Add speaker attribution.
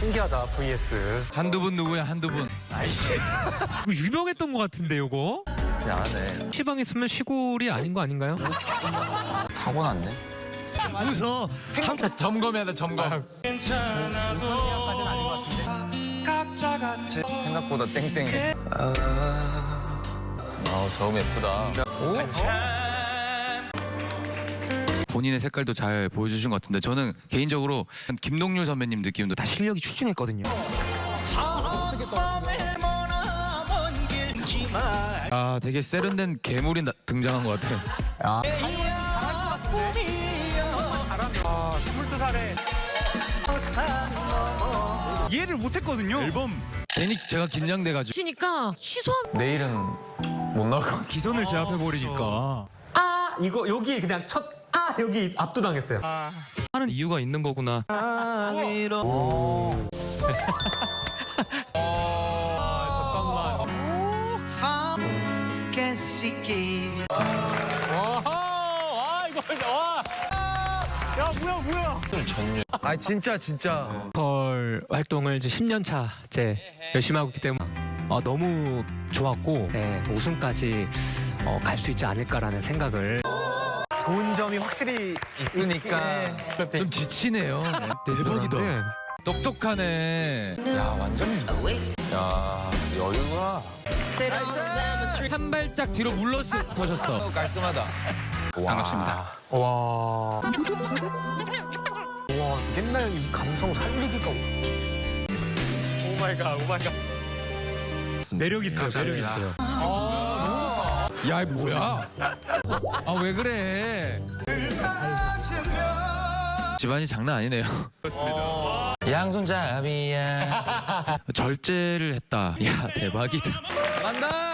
Speaker 1: 신기하다. vs.
Speaker 2: 한두 분 누구야 한두 분.
Speaker 1: 아이씨.
Speaker 3: 이거 유명했던 것 같은데 이거?
Speaker 1: 그냥 안 해.
Speaker 3: 시방 있으면 시골이 아닌 거 아닌가요?
Speaker 1: 타고났네.
Speaker 4: 웃어.
Speaker 2: 점검해야 돼 점검.
Speaker 1: 생각보다 땡땡해. 저음 예쁘다.
Speaker 2: 본인의 색깔도 잘 보여주신 것 같은데 저는 개인적으로 김동률 선배님 느낌도 다
Speaker 4: 실력이 출중했거든요.
Speaker 2: 아 되게 세련된 괴물이 등장한 것 같아.
Speaker 1: 22살에.
Speaker 4: 이해를 못했거든요. 앨범
Speaker 2: 괜히 제가 긴장돼가지고.
Speaker 5: 치니까 취소하면
Speaker 1: 내일은 못 나올 것 같아.
Speaker 3: 기선을 제압해 버리니까.
Speaker 1: 이거 여기 그냥 여기 압도당했어요.
Speaker 2: 하는 이유가 있는 거구나.
Speaker 1: 아 진짜.
Speaker 3: 걸 활동을 이제 10년 차째 열심히 하고 있기 때문에 너무 좋았고 우승까지 갈 수 있지 않을까라는 생각을.
Speaker 1: 좋은 점이 확실히 있으니까.
Speaker 2: 좀 지치네요. 대박이다. 똑똑하네.
Speaker 1: 야 완전. 야 여유가.
Speaker 2: 한 발짝 뒤로 물러서셨어.
Speaker 1: 깔끔하다.
Speaker 2: 반갑습니다.
Speaker 1: 와. 옛날 이 감성 살리기가. 오마이갓.
Speaker 3: 매력 있어요. 매력 있어요.
Speaker 2: 야, 뭐야? 아, 왜 그래? 집안이 장난 아니네요.
Speaker 1: 양손잡이야.
Speaker 2: 절제를 했다. 야, 대박이다.
Speaker 1: 간다.